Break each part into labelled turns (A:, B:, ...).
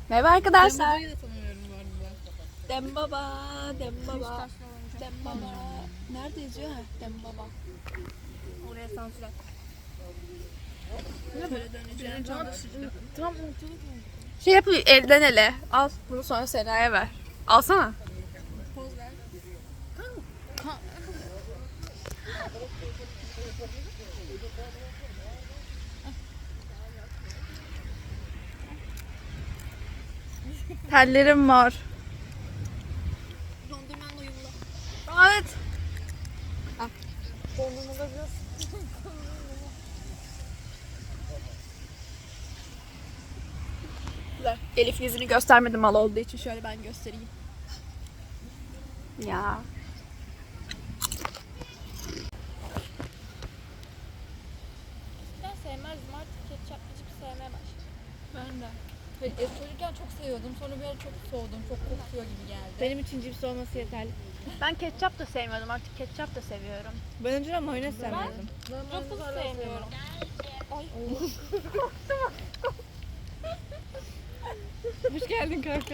A: Merhaba arkadaşlar.
B: Dembaba'yı da tanımıyorum bu arada.
A: Dembaba, Dembaba, Dembaba. Nerede yazıyor ha? Dembaba. Oraya sansür at. Böyle döneceğim.
B: Tam
A: Şey yap, elden ele. Al, bunu sonra Sena'ya ver. Alsana.
B: poz ver.
A: Tellerim var.
B: Dondurmanla uyumlu.
A: Evet.
B: Dondurmada biraz
A: Güzel. Elif yüzünü göstermedim mal olduğu için şöyle ben göstereyim. Ya.
B: ben sevmezdim artık ketçaplı cips sevmeye başladım. Ben de. Çocukken çok seviyordum. Sonra bir ara çok soğudum. Çok kokuyor gibi geldi.
C: Benim için cips olması yeterli.
A: Ben ketçap da sevmiyordum. Artık ketçap da seviyorum.
C: Ben önceden mayonez sevmezdim.
B: Ruffles sevmiyorum.
C: Hoş geldin kanka.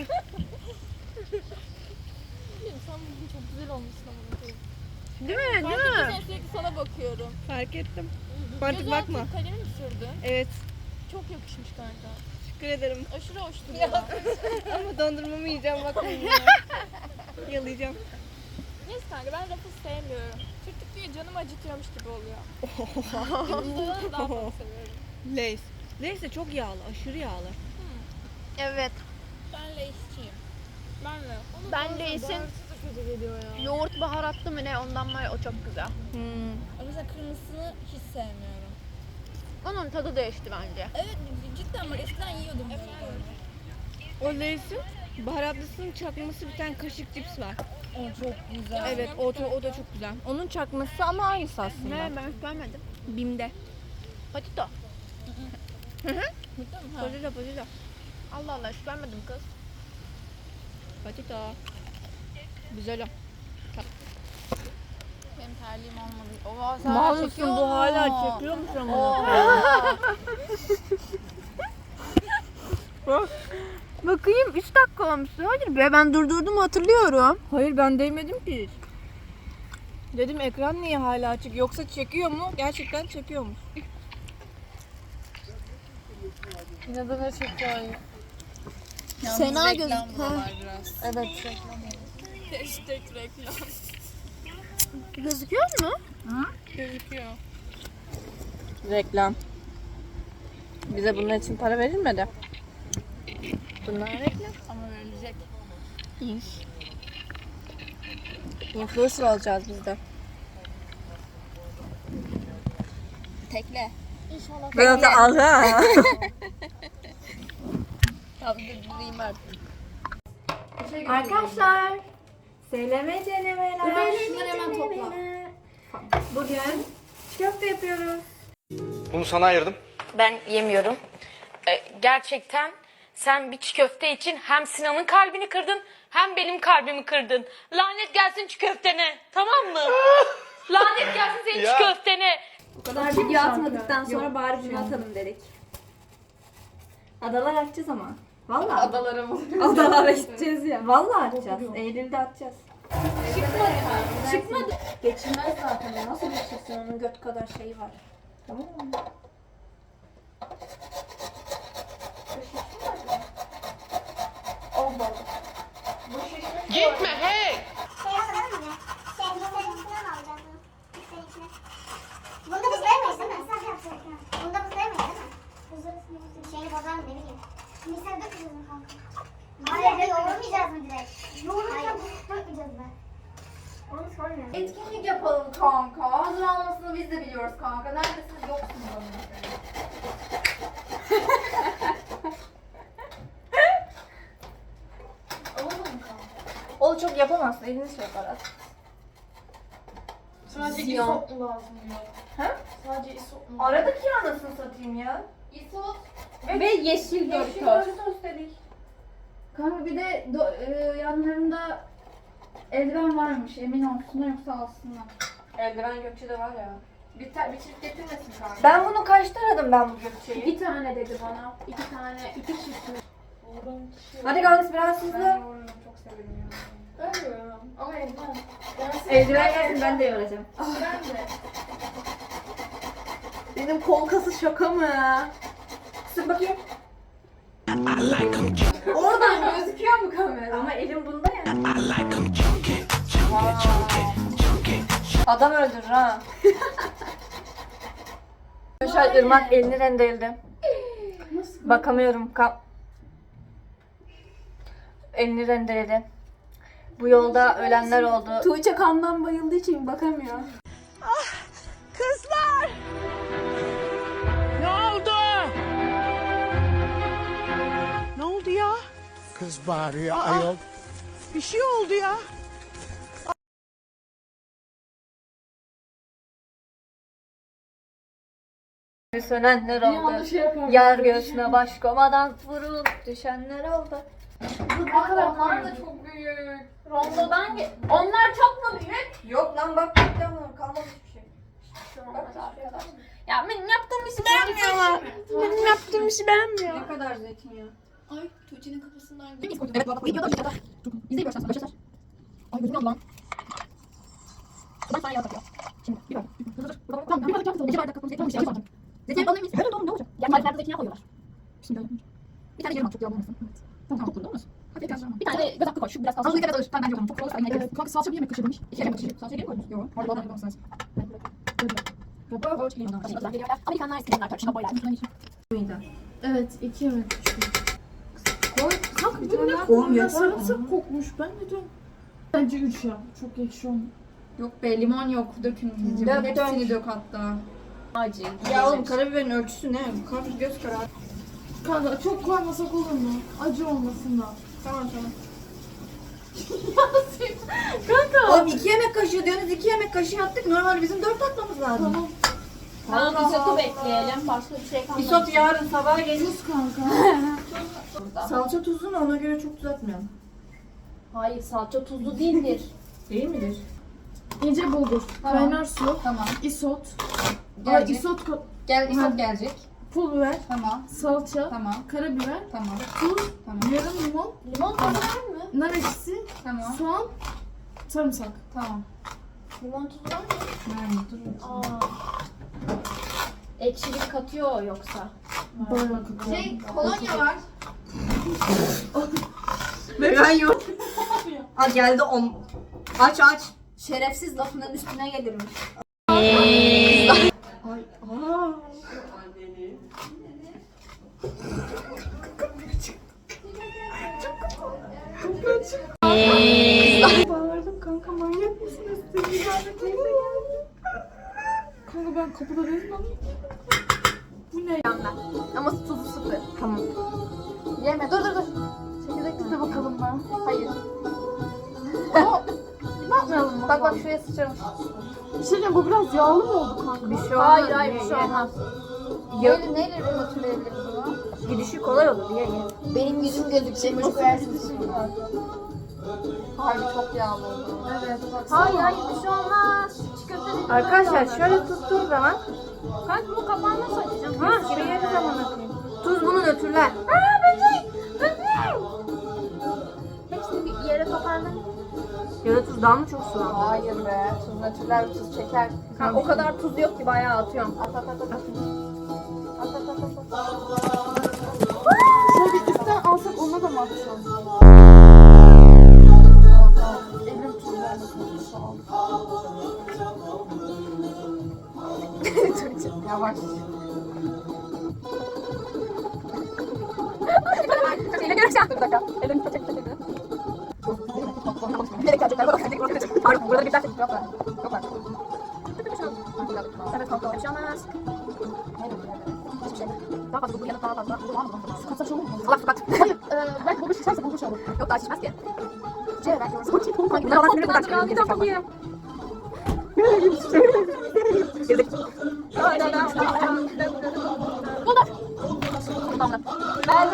B: Sen bugün çok güzel olmuşsun ama.
A: Değil mi?
B: Fark
A: Değil mi?
B: ettiysen sürekli sana bakıyorum.
C: Fark ettim. Artık
B: Göz
C: bakma.
B: altı kalemi mi sürdün?
C: Evet.
B: Çok yakışmış kanka.
C: Teşekkür ederim.
B: Aşırı hoş duruyor.
C: Ama dondurmamı yiyeceğim bakmayın. Yalayacağım.
B: Neyse kanka ben Ruffles sevmiyorum. Sürttükçe canım acıtıyormuş gibi oluyor. Dümdüzü daha çok seviyorum.
C: Lay's. Lay's de çok yağlı. Aşırı yağlı.
A: Evet.
B: Ben Lay'sçiyim. Ben de.
A: Ben Lay's'in
B: kötü geliyor ya.
A: yoğurt baharatlı mı ne ondan var ya, o çok güzel.
B: Ama mesela kırmızısını hiç sevmiyorum.
A: Onun tadı değişti bence.
B: Evet cidden var. Eskiden yiyordum.
C: O Lay's'in baharatlısının çakması bir tane kaşık cips var.
B: O çok güzel.
C: Evet o da çok güzel. Onun çakması ama aynısı aslında.
A: Ne, ben hiç görmedim.
C: Bim'de.
A: Patito.
C: Patito.
A: Allah Allah, hiç görmedim kız.
C: Patito. Güzel o.
B: Benim terliğim olmadı. Oha sen
C: Mal
B: hala
C: mısın
B: çekiyor
C: bu
B: mu?
C: hala çekiyormuş ama.
A: Bakayım 3 dakika olmuş. Hayır be, ben durdurdum hatırlıyorum.
C: Hayır ben değmedim ki hiç. Dedim ekran niye hala açık yoksa çekiyor mu? Gerçekten çekiyormuş.
B: İnadına çekiyor.
A: Sena
B: Reklam
A: gözük-
B: buralar biraz.
C: Evet.
B: Hashtag reklam.
A: Gözüküyor mu?
B: Gözüküyor.
C: Reklam. Bize bunun için para verilmedi. Bunlar reklam.
B: Ama verilecek.
C: Influencer olacağız biz de.
B: Tekle. İnşallah.
C: Ben de alha.
B: Tamam durayım artık.
D: Arkadaşlar, SLM denemeler.
B: Şunları hemen topla.
D: Bugün köfte yapıyoruz.
E: Bunu sana ayırdım.
F: Ben yemiyorum. Gerçekten sen bir çiğ köfte için hem Sinan'ın kalbini kırdın hem benim kalbimi kırdın. Lanet gelsin çiğ köftene. Tamam mı? Lanet gelsin senin çiğ köftene.
D: Bu kadar video atmadıktan sonra bari bunu atalım dedik. Adalar atacağız ama. Vallahi.
B: Adalara mı?
D: Adalara gideceğiz ya. Vallahi atacağız. Eylül'de atacağız. Çıkmadı. Geçilmez zaten. Nasıl geçeceksin? Onun göt kadar şeyi var. Tamam mı?
F: Gitme hey.
G: Bunda buzlayamayız değil mi? Bunda buzlayamayız değil mi? Şeyini bozar mı ne bileyim. Bilgisayarı dökmeyeceğiz mi kanka? Hayır, yoğurmayacağız mı direkt? Yoğururken dökmeyeceğiz mi? Onu sormuyorum.
D: Etkinlik yapalım kanka. Hazır olmasını biz de biliyoruz kanka. Neredesiniz? Yoksunuz onun. Olur mu kanka? Onu çok yapamazsın. Elini şey yapar.
B: Sadece
D: Ziyan.
B: isot mu lazım diyor.
D: He?
B: Sadece isot mu?
D: Aradık ya anasını satayım ya.
B: İsot.
D: Ve yeşil Doritos dedik. Kanka bir de yanlarında eldiven varmış. Emin olsunlar yoksa alsınlar.
C: Eldiven Gökçe'de var ya.
D: Bir çift getirmesin kanka.
C: Ben bunu kaçta aradım ben bu Gökçe'yi?
D: Bir tane dedi bana. 2 tane, 2 çift mi?
C: Hadi Galis biraz hızlı.
B: Çok severim ya. Ben de yoramam. Ama eldiven.
C: Eldiven gelsin ben de yoracağım.
B: Ben de.
C: Benim kol kası şaka mı? Sık bakayım. Oradan gözüküyor mu kamera? Ama elim bunda ya. Adam öldürür ha. Arkadaşlar Irmak elini rendeledi. Bakamıyorum. Elini rendeledi. Bu yolda ölenler oldu.
A: Tuğçe kandan bayıldığı için bakamıyor.
H: Kız bağırıyor ayol. Bir şey oldu ya.
C: Sönenler oldu. Yar göğsüne baş komadan vurulup düşenler oldu.
B: Onlar da çok büyük. Rondodan onlar çok mu büyük?
C: Yok lan bak bekliyorum kalmadı hiçbir şey.
A: Ya benim yaptığım işi beğenmiyorlar. Benim yaptığım işi beğenmiyor.
C: Ne kadar zeytinyağı?
B: Ay Tuğçe'nin kafasından
I: Evet bak videoda bir kadar. İzleyin baştan başlar. Ay gözüm yandı lan. Ben sana yağ takıyorum. Şimdi bir bak. Dur. Tamam bir bardak yağ koyalım. 2 bardak zeytin olmuş. Zeytin zeytin alır mıyız? Evet oğlum ne olacak? Yani mariflerde zeytinyağı koyuyorlar. Şimdi öyle. Bir tane yarım at çok yağ olmasın. Evet. Tamam çok olmaz. Bir tane de göz hakkı koy. Şu biraz fazla. Az kadar alır. Tamam bence çok fazla. Evet. Kanka salça bir yemek kaşığı demiş. 2 yemek kaşığı. Salça geri koymuş. Yok. Orada bana yapmamız lazım. Amerikanlar isteyenler tartışma boylar.
B: Evet 2 yemek
C: Kanka bir tane koymuyor.
B: sarımsak kokmuş. Ben de diyorum. Bence 3 ya. Çok ekşi olmuş. Yok be limon yok. Dökün. Hepsini dök hatta.
C: Acı. Ya oğlum karabiberin ölçüsü ne? Karpuz göz kararı.
B: Kanka çok koymasak olur mu? Acı olmasın da.
C: Tamam tamam.
B: Kanka.
C: Oğlum 2 yemek kaşığı diyorsunuz 2 yemek kaşığı attık. Normalde bizim 4 atmamız lazım.
B: Tamam.
A: Tamam isotu bekleyelim. Başka bir şey kalmadı.
C: İsot yarın sabaha gelir.
B: Tuz kanka.
C: Salça tuzunu ona göre çok tuz atmayalım.
A: Hayır salça tuzlu değildir.
C: Değil midir?
B: İnce bulgur. Kaynar su.
C: Tamam.
B: Isot.
C: Gelecek.
B: Isot
C: Gel isot gelecek.
B: pul biber.
C: Tamam.
B: Salça.
C: Tamam.
B: Karabiber.
C: Tamam.
B: Tuz.
C: Tamam.
B: Yarım limon.
A: Limon tuzu var mı?
B: Nar ekşisi.
C: Tamam.
B: Soğan. Sarımsak.
C: Tamam.
A: Limon tuzu var mı?
C: Yani dur.
A: Aa. Ekşilik katıyor yoksa.
B: Bayağı kakao.
C: Kolonya var. Ben yok. Aa geldi on. Aç aç. Şerefsiz lafının üstüne gelirmiş. Ay. Aa.
B: Bağırdım kanka manyak mısınız? Kanka ben kapıda değilim. Bu ne?
A: Ama tuzu sıfır.
C: Tamam.
A: Yeme dur. Çekirdekli de bakalım ben. Hayır.
B: Bakmayalım mı?
A: Bak şuraya sıçramış.
B: Bir şey diyeceğim bu biraz yağlı mı oldu kanka?
C: Bir şey olmaz.
A: Hayır bir şey olmaz. Neyle hatırlayabiliriz bunu?
C: Gidişi kolay olur diye ye.
A: Benim yüzüm gözükecek. Çok Hayır çok yağlı oldu.
B: Evet.
A: Hayır bir şey olmaz. Çikolata
C: Arkadaşlar şöyle tuttuğum zaman
A: Kanka bu kapağını nasıl açacağım?
C: ha şuraya bir zaman atayım. Tuz bunu nötrler.
A: Hepsini bir yere toparlayın.
C: Ya da tuz daha mı çok sulandı?
A: Hayır be. Tuz natürler tuz çeker. Kanka, o kadar tuz yok ki bayağı atıyorum. At.
B: Şöyle bir üstten alsak ona da mı atacağız?
A: Evrim tuz vermesin. Yavaş. Şeyle göreceğim. Dur bir dakika. Elimi çek. Bilerek gelecekler. Bak pardon burada bir dakika. Yok var. Evet kanka. Bir şey olmaz. Hiçbir şey. Daha fazla bu yana daha fazla. Katsak olur mu? Allah kapat. Hayır. Belki bulmuş içerse bulmuş olur. Yok daha şişmez ki. Şey belki orası. Ne var? Ne kadar bir dakika diye. Girdik. Bunlar. Tamam. Ben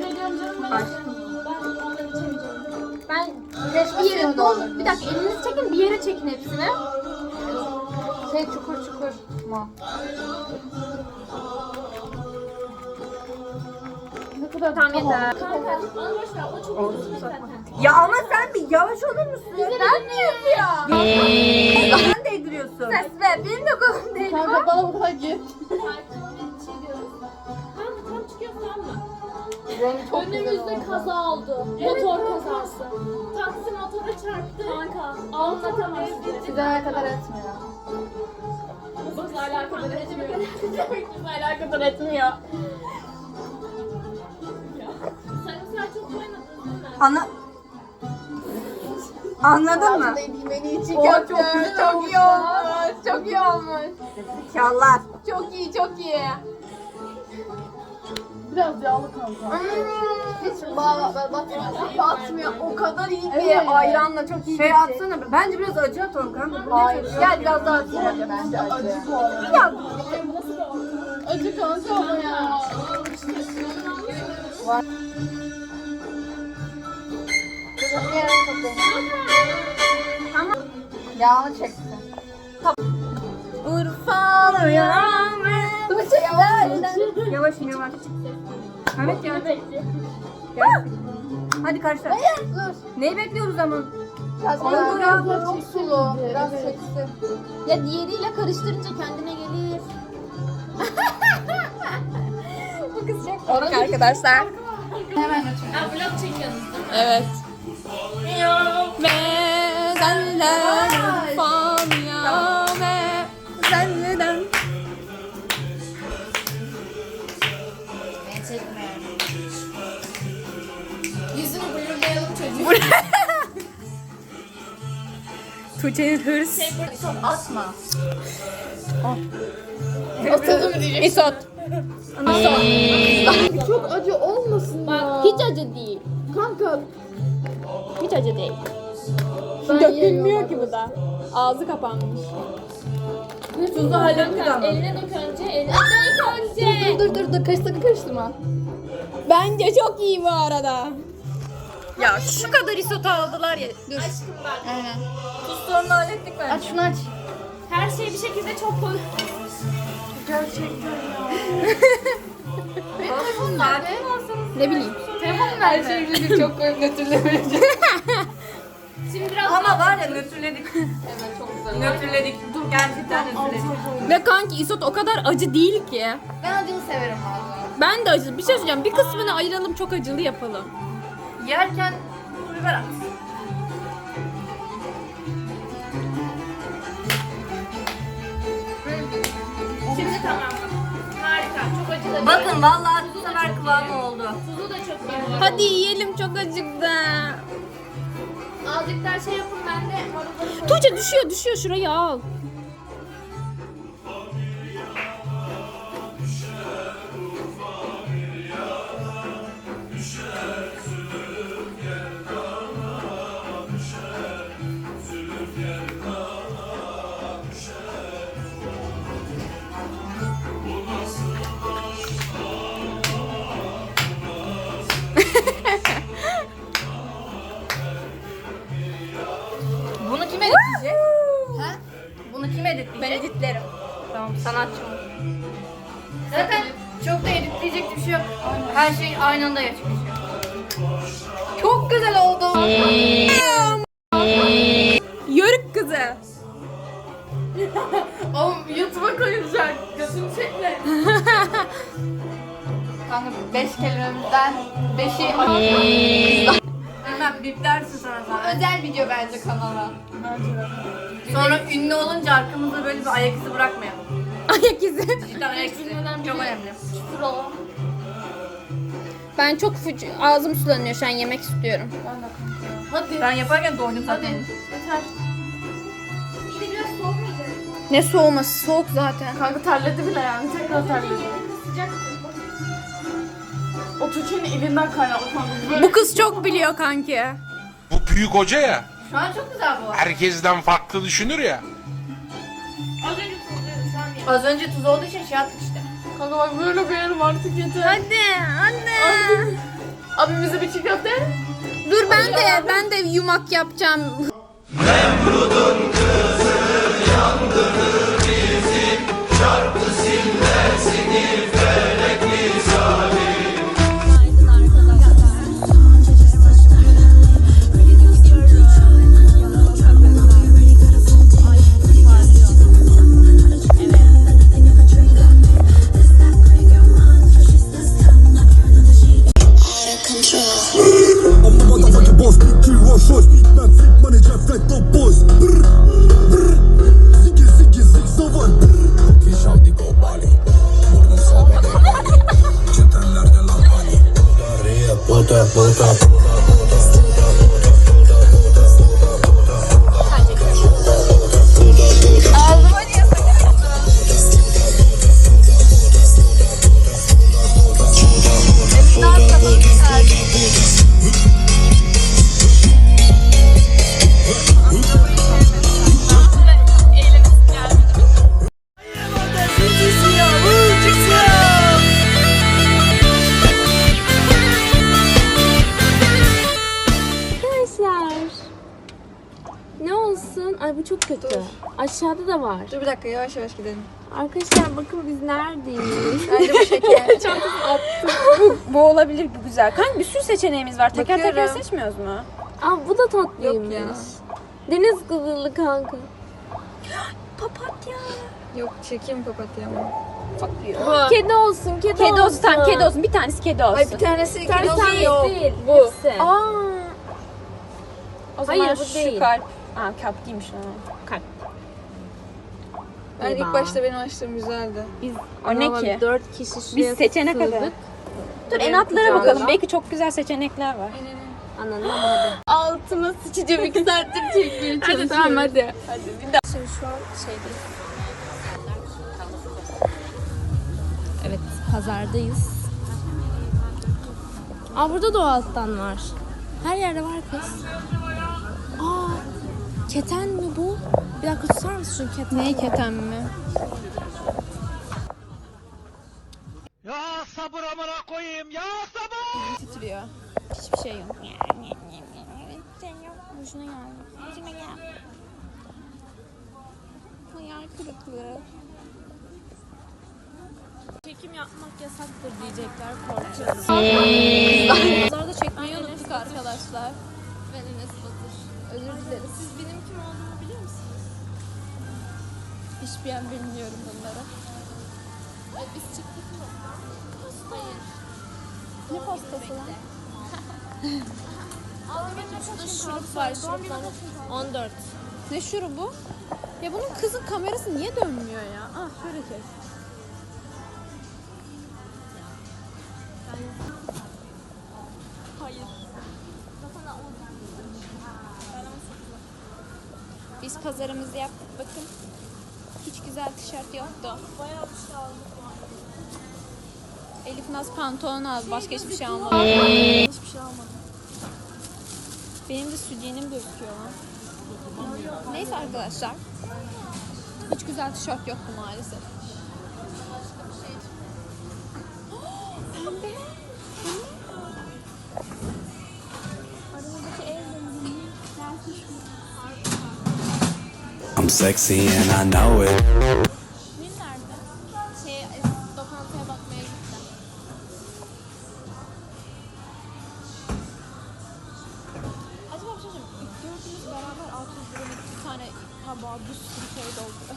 A: bir yere doldur. Bir dakika elinizi çekin bir yere çekin hepsini. Şey çukur mu?
B: Ne kadar
A: kadar. Tamam yeter.
C: Ya ama sen bir yavaş olur musun? Ben mi yapıyorum? Sen değdiriyorsun.
A: Ses ver. Benim de kolum değil.
D: Kanka bana bu kadar git.
A: Önümüzde kaza oldu. Motor kazası. Taksi motora çarptı. Kanka anlatamazsın.
D: Size alakadar etmiyor.
A: Bizle alakadar etmiyor. Bizle alakadar etmiyor. Sen mesela çok oynadın değil mi?
C: Anladın mı?
D: Beni için
C: O çok güzel
D: çok iyi olmuş. Çok iyi olmuş.
C: Çağlar.
D: Çok iyi, çok iyi. Biraz yağlı kanka. Hiç batmıyor. Batmıyor. O kadar iyi ki ayranla çok iyi.
C: Şey atsana. Bence biraz acı atalım kanka.
D: Hayır. Gel biraz daha atayım. Bence acı bu arada. Acı kanka ama ya. Tamam. Yağını çeksin.
C: Urfalı yağmur.
D: Yavaş.
C: Yavaşım yavaş. Evet ya. Hadi karşılar.
D: Dur.
C: Neyi bekliyoruz ama?
D: Biraz çok sulu. Biraz çeksin.
A: Ya diğeriyle karıştırınca kendine gelir. Bu kız çok
C: Bak arkadaşlar.
D: Hemen açıyorum.
B: Ha vlog çekiyorsunuz değil mi?
C: Evet. Ve senler Fanya ve senler.
B: Yüzünü blurlayalım çocuğu.
C: Tuğçe'nin hırs.
D: Atma.
C: İsot.
D: Çok acı olmasın ya.
A: hiç acı değil.
D: Kanka.
A: Hiç acı değil.
C: Dökülmüyor ki bu da. Ağzı kapanmış. Tuzu hallettik ama.
A: Eline dök önce. Eline dök önce.
D: Dur. Karıştırma.
C: Bence çok iyi bu arada. Ya şu kadar isot aldılar ya. Dur.
D: Aynen.
C: Tuz sorunu hallettik bence.
D: Aç şunu aç.
A: Her şey bir şekilde çok koy.
C: Ne bileyim.
D: Her şeyi bildik çok koyup götürülebilecek.
A: Şimdi biraz
C: Ama var ya nötrledik.
D: Evet çok güzel.
C: Nötrledik. Dur gerçekten nötrledik. Ve kanki isot o kadar acı değil ki.
D: Ben acını severim valla.
C: Ben de acı. Bir şey söyleyeceğim. Bir kısmını ayıralım, çok acılı yapalım. Yerken pul biber at.
A: Şimdi tamam. Harika. Çok acı da
C: Bakın vallahi bu sefer kıvamı oldu.
A: Tuzu da çok iyi.
C: Hadi yiyelim, çok acıktı.
A: Azıcık daha şey yapın ben de marulları
C: Tuğçe düşüyor şurayı al. Bunu kim editleyecek?
D: Ha?
C: Bunu kim editleyecek? Ben editlerim. Tamam, sanatçım.
D: Zaten çok da editleyecek bir şey yok.
C: Her şey aynı anda gerçekleşiyor.
D: Çok güzel oldu.
C: Yörük kızı.
D: Oğlum YouTube'a koyulacak. Gözüm çekme. Kanka 5 kelimemizden 5'i
C: Hemen biplersin sonra zaten.
D: özel video bence kanala.
C: Sonra ünlü olunca arkamızda böyle bir ayak izi bırakmayalım. Ayak izi? Cidden ayak izi çok önemli.
A: Ben çok ağzım sulanıyor şu an, yemek istiyorum.
D: Hadi.
C: Ben yaparken doydum zaten.
D: Yeter.
A: Ne soğuması? Soğuk zaten.
D: Kanka terledi bile yani. Tekrar terledi. O Tuğçe'nin elinden kaynaklı kanka. Böyle
C: Bu kız çok biliyor kanki.
E: Bu büyük hoca ya.
D: şu an çok güzel bu.
E: Herkesten farklı düşünür ya.
A: Az önce tuzluydu şu an ya.
C: Az önce tuz olduğu için şey attık işte.
D: Kanka bak böyle koyarım artık yeter.
C: Hadi anne.
D: Abi bize bir çiğ köfte.
C: Dur ben de yumak yapacağım.
F: Arkadaşlar. Ne olsun? Ay bu çok kötü. Aşağıda da var.
C: Dur bir dakika yavaş yavaş gidelim.
F: Arkadaşlar bakın biz neredeyiz?
C: Bence bu şeker. bu olabilir, bu güzel. Kanka bir sürü seçeneğimiz var. Teker teker
F: Bakıyorum.
C: seçmiyoruz mu?
F: Aa bu da tatlıymış.
C: Yok ya.
F: Deniz kızılı kanka.
C: Papatya. Yok çekeyim papatyamı.
F: Kedi olsun, kedi,
C: Kedi olsun tamam, kedi olsun. Bir tanesi kedi olsun.
D: Ay bir tanesi
F: Bir tanesi
D: kedi yok.
F: değil.
C: Bu.
F: Hepsi.
C: Aa. O zaman
F: Hayır, bu
C: şu
F: değil.
C: kalp. Aa kalp değilmiş lan. Kalp. Ben ilk başta benim açtığım güzeldi.
F: Biz
C: O ne ki?
F: 4 kişi şuraya
C: Biz seçene kadar.
F: sığdık.
C: Dur en altlara bakalım. Belki çok güzel seçenekler var.
F: Anladın ama hadi. Altıma sıçacağım 2 saattir çekmeye çalışıyorum.
C: Hadi tamam hadi.
F: Şimdi şu an şeydeyiz. Evet, pazardayız. Aa burada da o alttan var. Her yerde var kız. Aa, keten mi bu? Bir dakika tutar mısın şu keten?
C: Neyi keten mi?
H: Ya sabır amına koyayım ya sabır.
C: Titriyor.
F: Hiçbir şey yok. Boşuna geldi. Boşuna geldi. Hayal kırıklığı. Çekim yapmak yasaktır diyecekler, korkuyorum. Pazarda çekmeyi unuttuk arkadaşlar. Ben Enes Batur. Özür dileriz. Siz benim kim olduğumu biliyor musunuz? Hiçbir an bilmiyorum bunları. Biz çıktık mı? Hayır. Ne pastası lan? Şurada şurup var. Şuruptan 14.
C: Ne şurubu? Ya bunun kızın kamerası niye dönmüyor ya? Ah şöyle kes.
F: Hayır.
C: Biz pazarımızı yaptık bakın. Hiç güzel tişört yoktu.
F: Bayağı bir şey aldık.
C: Elif Naz pantolon aldı. Başka hiçbir şey almadı.
F: Hiçbir şey almadım.
C: Benim de sütyenim gözüküyor lan. Neyse arkadaşlar. Hiç güzel tişört yoktu maalesef.
J: I'm sexy and I know it.
F: Nil nerede? Lokantaya bakmaya gitti. Acaba bir şey söyleyeyim. Dördümüz beraber 600 liralık bir tane tabağa bir sürü şey doldu.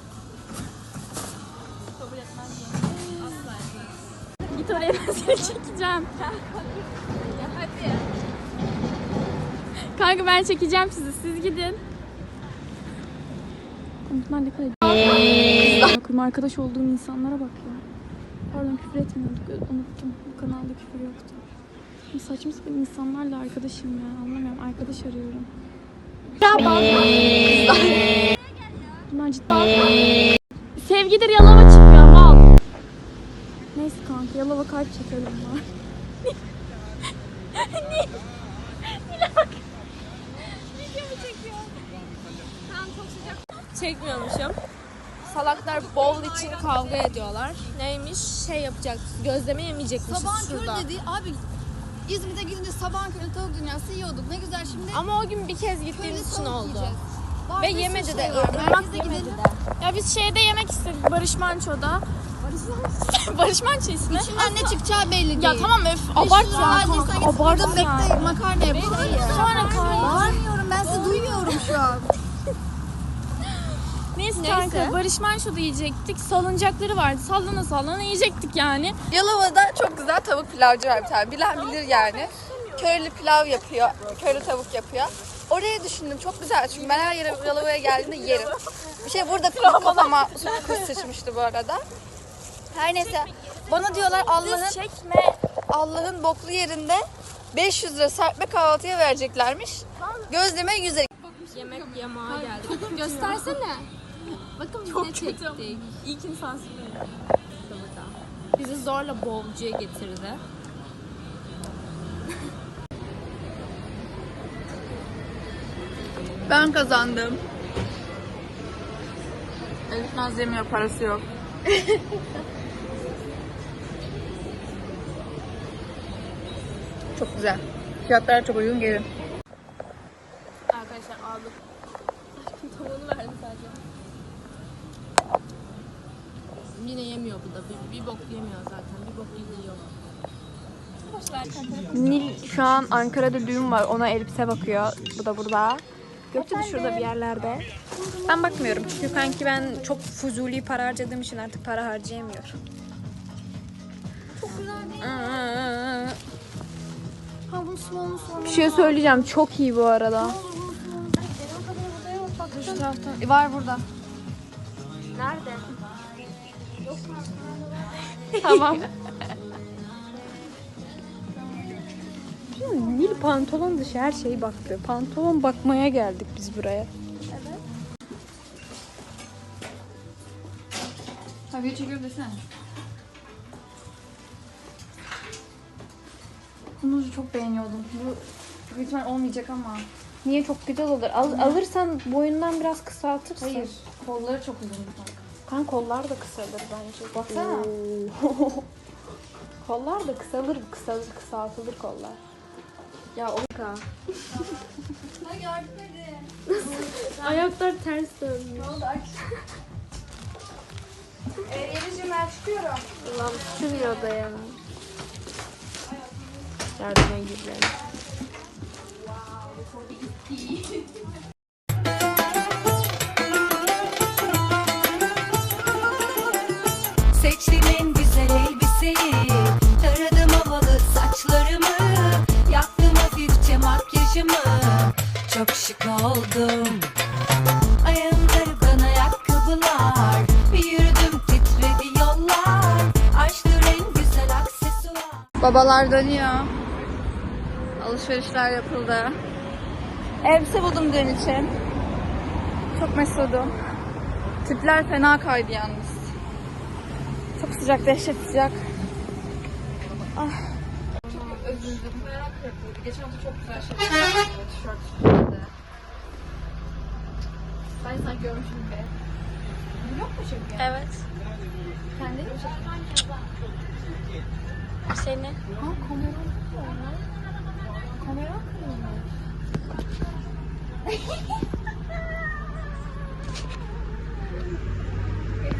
F: Kabul etmez mi? Asla etmez.
C: Git oraya ben seni çekeceğim.
F: Ya hadi.
C: Kanka ben çekeceğim sizi. Siz gidin. Bunlar ne kadar bakıyorum arkadaş olduğum insanlara bak ya. Pardon küfür etmiyorduk. Unuttum. Bu kanalda küfür yoktu. Saçma sapan insanlarla arkadaşım ya. Anlamıyorum. Arkadaş arıyorum. Bunlar ciddi. Sevgidir Yalova çıkıyor mal. Neyse kanka Yalova kalp çekelim var.
F: Çekmiyormuşum. Salaklar bowl için kavga ediyorlar. Neymiş? Şey yapacak. Gözleme yemeyecekmişiz
A: Sabahın
F: şurada.
A: körü dedi abi. İzmir'de gidince sabahın körü tavuk dünyası yiyorduk. Ne güzel şimdi.
F: Ama o gün bir kez gittiğimiz için
A: tavuk
F: oldu.
A: yiyeceğiz. Var
F: Ve
A: bir sürü
F: yemedi de.
A: şey var.
F: Irmak
A: Merkezde
F: yemedi
A: gidelim.
F: de.
C: Ya biz şeyde yemek istedik Barış Manço'da. Barış Manço ismi.
A: İçinden ne çıkacağı belli değil.
C: Ya tamam öf abart ya. Abart ya.
A: Bekle makarna yap.
C: Sonra kanka.
A: Bağırmıyorum ben sizi duymuyorum şu an.
C: Neyse kanka Barış Manço'da yiyecektik. Salıncakları vardı. Sallana sallana yiyecektik yani.
D: Yalova'da çok güzel tavuk pilavcı var bir tane. Bilen bilir yani. Körlü pilav yapıyor. Körlü tavuk yapıyor. Oraya düşündüm çok güzel çünkü ben her yere Yalova'ya geldiğimde yerim. Bir şey burada kafama kuş sıçmıştı bu arada. Her neyse bana diyorlar Allah'ın boklu yerinde 500 lira serpme kahvaltıya vereceklermiş. Gözleme 100 lira.
B: Yemek yamağa geldik. Göstersene. Bakın biz ne çektik.
C: İlk insansın.
B: Bizi zorla bowlcuya getirdi.
D: Ben kazandım.
C: Elif Naz yemiyor, parası yok.
D: Çok güzel. Fiyatlar çok uygun gelin.
B: Arkadaşlar aldık. Tavuğunu verdim sadece. Yine yemiyor bu da. Bir bok yemiyor zaten. Bir bok yiyor.
C: Nil şu an Ankara'da düğün var. Ona elbise bakıyor. Bu da burada. Gökçe de şurada bir yerlerde. Ben bakmıyorum çünkü kanki ben çok fuzuli para harcadığım için artık para harcayamıyorum. Çok güzel değil. Bir şey söyleyeceğim. Çok iyi bu arada. Şu taraftan. Var burada.
B: Nerede?
C: Tamam. Nil pantolon dışı her şeyi baktı. Pantolon bakmaya geldik biz buraya. Evet. Tabii çekiyor desene. Bunu çok beğeniyordum. Bu büyük ihtimal olmayacak ama. Niye, çok güzel olur. Alırsan boyundan biraz kısaltırsın. Hayır. Kolları çok uzun. Kan kollar da kısalır bence. Baksana. Kollar da kısaltılır kollar. Ya o ka. Ayaklar ters dönmüş. Ne oldu?
D: Yelicim ben çıkıyorum.
C: Ulan sürüyor da ya. Yardıma gidelim.
K: Seçtim en güzel elbiseyi, taradım havalı saçlarımı, yaptım hafifçe makyajımı, çok şık oldum. Ayağımda rugan ayakkabılar, bir yürüdüm titredi yollar, açtır en güzel aksesuar.
D: Babalar dönüyor. Alışverişler yapıldı. Elbise buldum dün için. Çok mesudum. Tipler fena kaydı yalnız. Çok sıcak, dehşet sıcak. Ah. Çok üzüldüm. Geçen hafta çok güzel şeyler yaptım. Tişört üstünde. Ben sanki görmüşüm gibi. Vlog mu çekiyor?
F: Evet.
D: Kendini mi çekiyor?
F: Seni.
D: Ha, kamera mı? Kamera mı?